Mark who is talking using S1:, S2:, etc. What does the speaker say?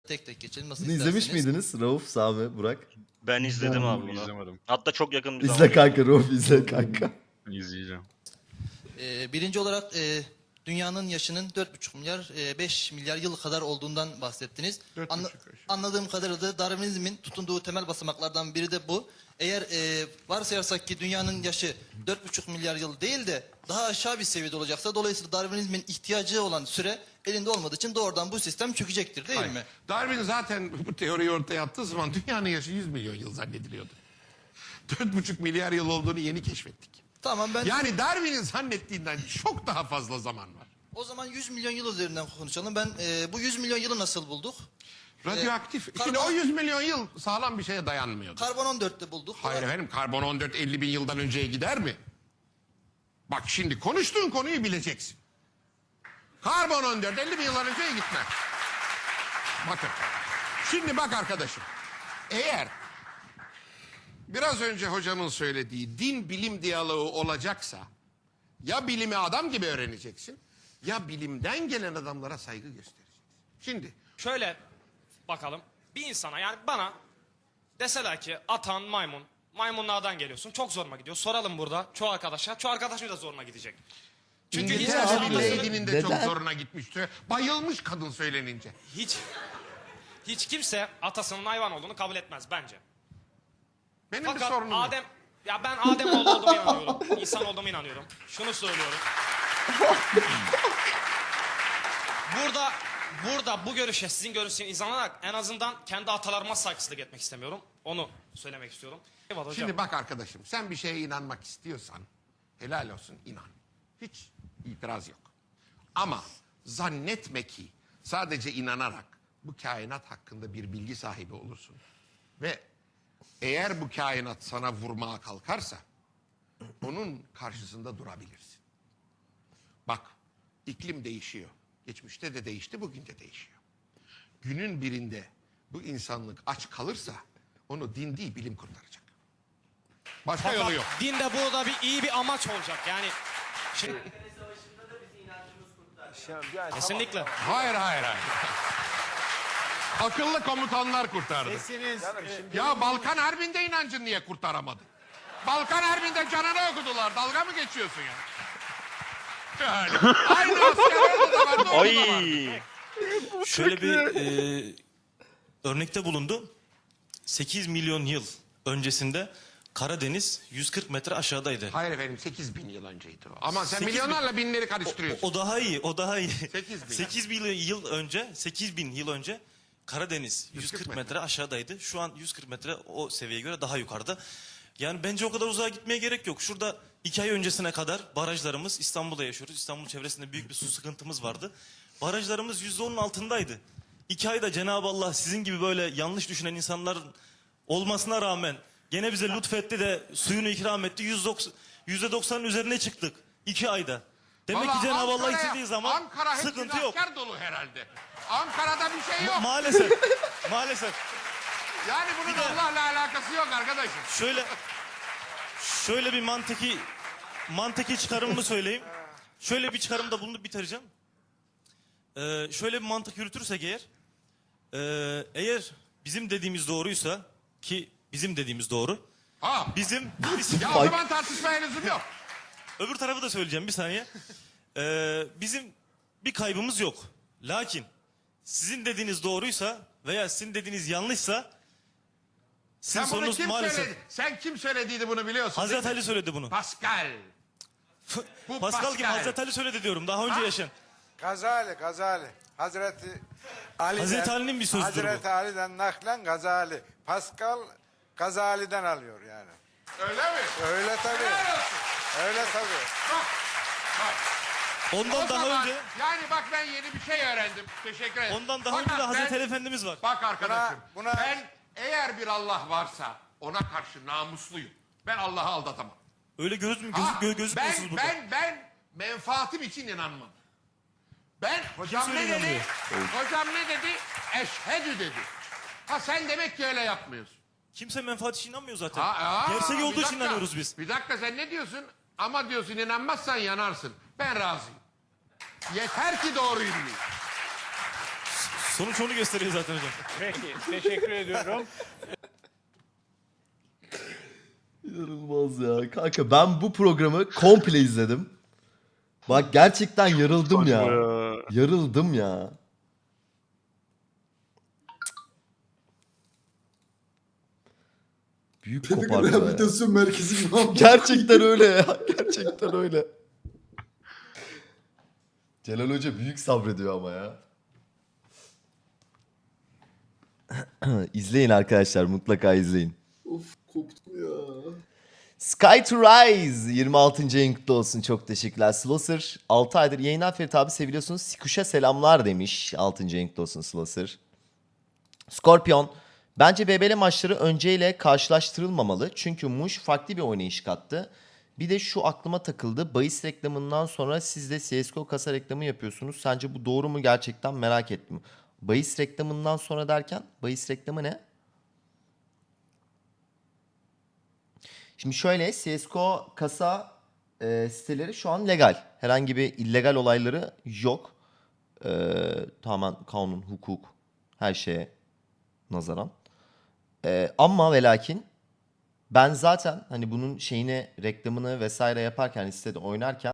S1: tek tek geçelim. Nasıl
S2: Bunu izlemiş
S1: isterseniz.
S2: miydiniz? Rauf, Sami, Burak.
S3: Ben izledim abi bunu.
S4: İzlemedim.
S3: Hatta çok yakın bir
S2: İzle
S3: zamanda
S2: kanka Rauf, izle kanka.
S4: İzleyeceğim.
S1: Birinci olarak dünyanın yaşının 4,5 milyar 5 milyar yıl kadar olduğundan bahsettiniz. Anladığım kadarıyla da Darwinizmin tutunduğu temel basamaklardan biri de bu. Eğer varsayarsak ki dünyanın yaşı 4,5 milyar yıl değil de daha aşağı bir seviyede olacaksa, dolayısıyla Darwinizmin ihtiyacı olan süre elinde olmadığı için doğrudan bu sistem çökecektir değil mi?
S5: Darwin zaten bu teoriyi ortaya attığı zaman dünyanın yaşı 100 milyon yıl zannediliyordu. 4,5 milyar yıl olduğunu yeni keşfettik.
S1: Tamam, ben
S5: Yani Darwin'in zannettiğinden çok daha fazla zaman var.
S1: o zaman 100 milyon yıl üzerinden konuşalım. Ben bu 100 milyon yılı nasıl bulduk?
S5: Radyoaktif. Şimdi
S1: karbon-
S5: o 100 milyon yıl sağlam bir şeye dayanmıyordu.
S1: Karbon 14'te bulduk.
S5: Hayır efendim, karbon 14 50 bin yıldan önceye gider mi? Bak şimdi konuştuğun konuyu bileceksin. Karbon 14 50 bin yıldan önceye gitmez. Bakın. Şimdi bak arkadaşım. Eğer biraz önce hocamın söylediği din bilim diyaloğu olacaksa ya bilimi adam gibi öğreneceksin ya bilimden gelen adamlara saygı göstereceksin. Şimdi
S6: Şöyle bakalım. Bir insana, yani bana deseler ki atan maymun. Maymunlardan geliyorsun. Çok zoruma gidiyor. Soralım burada çoğu arkadaşa. Çoğu arkadaşım da zoruna gidecek. Çünkü
S5: İngiltere
S6: insan
S5: bir
S6: atasını
S5: lady'nin de çok
S2: Neden?
S5: zoruna gitmişti. Bayılmış kadın söylenince.
S6: hiç kimse atasının hayvan olduğunu kabul etmez bence.
S5: Benim bir
S6: Fakat
S5: sorunum yok.
S6: Adem, ya ben Adem oğlu olduğuma inanıyorum. İnsan olduğuma inanıyorum. Şunu söylüyorum. Burada bu görüşe, sizin görüşünüze inanarak en azından kendi atalarıma saygısızlık etmek istemiyorum. Onu söylemek istiyorum. Eyvallah hocam.
S5: Şimdi bak arkadaşım, sen bir şeye inanmak istiyorsan helal olsun, inan. Hiç itiraz yok. Ama zannetme ki sadece inanarak bu kainat hakkında bir bilgi sahibi olursun. Ve eğer bu kainat sana vurmaya kalkarsa onun karşısında durabilirsin. Bak, iklim değişiyor. Geçmişte de değişti, bugün de değişiyor. Günün birinde bu insanlık aç kalırsa onu din değil bilim kurtaracak. Başka
S6: Fakat
S5: yolu yok.
S6: dinde burada iyi bir amaç olacak. Yani şimdi... Kesinlikle.
S5: Hayır. Akıllı komutanlar kurtardı. Ya Balkan Harbi'nde inancın niye kurtaramadı? Balkan Harbi'nde canını okudular. Dalga mı geçiyorsun ya? Yani, aynı askerlerde de vardı, orada da vardı.
S3: Ay.
S7: Şöyle bir örnekte bulundu. 8 milyon yıl öncesinde Karadeniz 140 metre aşağıdaydı.
S5: Hayır efendim, 8 bin yıl önceydi o. Ama sen
S7: 8 bin-
S5: milyonlarla binleri karıştırıyorsun.
S7: O daha iyi, o daha iyi.
S5: 8 bin.
S7: 8 bin yıl önce Karadeniz 140 metre aşağıdaydı. Şu an 140 metre o seviyeye göre daha yukarıda. Yani bence o kadar uzağa gitmeye gerek yok. Şurada 2 ay öncesine kadar barajlarımız, İstanbul'da yaşıyoruz. İstanbul çevresinde büyük bir su sıkıntımız vardı. Barajlarımız %10'un altındaydı. 2 ayda Cenab-ı Allah sizin gibi böyle yanlış düşünen insanların olmasına rağmen gene bize lütfetti de suyunu ikram etti. %90'ın üzerine çıktık 2 ayda. Demek
S5: Vallahi
S7: ki Cenab-ı Allah
S5: Ankara'ya-
S7: istediği zaman
S5: Ankara hep
S7: sıkıntı yok.
S5: asker dolu herhalde. Ankara'da bir şey yok.
S7: Maalesef. Maalesef.
S5: Yani bunun
S7: de-
S5: Allah'la alakası yok arkadaşım.
S7: Şöyle bir mantıki çıkarımımı söyleyeyim. Şöyle bir çıkarımda bulunup bitireceğim. Şöyle bir mantık yürütürsek eğer bizim dediğimiz doğruysa, ki bizim dediğimiz doğru.
S5: Ha.
S7: Bizim
S5: Ya o zaman tartışmaya lüzum yok.
S7: öbür tarafı da söyleyeceğim bir saniye. Bizim bir kaybımız yok. Lakin sizin dediğiniz doğruysa veya sizin dediğiniz yanlışsa sizin
S5: Sen bunu
S7: sorunuz
S5: kim
S7: maalesef.
S5: söyledi? Sen kim söylediydi bunu biliyorsun?
S7: Hazreti
S5: değil mi?
S7: Ali söyledi bunu.
S5: Pascal. Bu
S7: Pascal gibi Hazreti Ali söyledi diyorum. Daha önce yaşayan.
S8: Gazali. Hazreti Ali'den,
S7: Hazreti Ali'nin bir sözüdür
S8: Hazreti Ali'den naklen Gazali. Pascal Gazali'den alıyor yani.
S5: Öyle mi?
S8: Öyle tabii.
S5: Helal olsun.
S8: Öyle tabii.
S5: Bak.
S7: Ondan
S5: O
S7: daha
S5: zaman,
S7: önce
S5: yani bak ben yeni bir şey öğrendim. Teşekkür ederim.
S7: ondan daha önce de
S5: Fakat
S7: Hazreti
S5: ben-
S7: Ali Efendimiz var.
S5: Bak arkadaşım.
S8: Buna-
S5: Ben eğer bir Allah varsa ona karşı namusluyum. Ben Allah'ı aldatamam.
S7: Öyle gözükmüyorsunuz burada.
S5: Ben menfaatim için inanmam. Ben hocam
S7: Kimse
S5: ne
S7: öyle
S5: dedi?
S7: inanmıyor.
S5: Hocam ne dedi? Eşhedü dedi. Ha sen demek ki öyle yapmıyorsun.
S7: Kimse menfaat için inanmıyor zaten.
S5: Gerçek
S7: Gerçek olduğu için inanıyoruz biz.
S5: Bir dakika, sen ne diyorsun? Ama diyorsun inanmazsan yanarsın. Ben razıyım. Yeter ki doğruyu bileyim.
S7: Sonuç onu gösteriyor zaten hocam.
S4: Peki, teşekkür ediyorum.
S2: İnanılmaz ya. Kanka ben bu programı komple izledim. Bak gerçekten yarıldım ya. Yarıldım ya. Büyük
S9: Pedagog
S2: kopardı ya.
S9: Rehabilitasyon Merkezi gibi oldu.
S2: Gerçekten öyle ya. Gerçekten öyle. Celal Hoca büyük sabrediyor ama ya. İzleyin arkadaşlar, mutlaka izleyin.
S9: Of koptum ya.
S2: Sky to Rise 26. ayın kutlu olsun. Çok teşekkürler. Slosser 6 aydır yayınlar Ferit abi seviliyorsunuz. Sikuş'a selamlar demiş. 6. ayın kutlu olsun Slosser. Scorpion bence BBL maçları önceyle karşılaştırılmamalı. Çünkü Muş farklı bir oynayış kattı. Bir de şu aklıma takıldı. Bahis reklamından sonra siz de CSGO kasa reklamı yapıyorsunuz. Sence bu doğru mu, gerçekten merak ettim. Bahis reklamından sonra derken bahis reklamı ne? Şimdi şöyle, CSGO kasa siteleri şu an legal. Herhangi bir illegal olayları yok. Tamamen kanun, hukuk, her şeye nazaran. Ama ve lakin ben zaten hani bunun şeyini, reklamını vesaire yaparken, sitede oynarken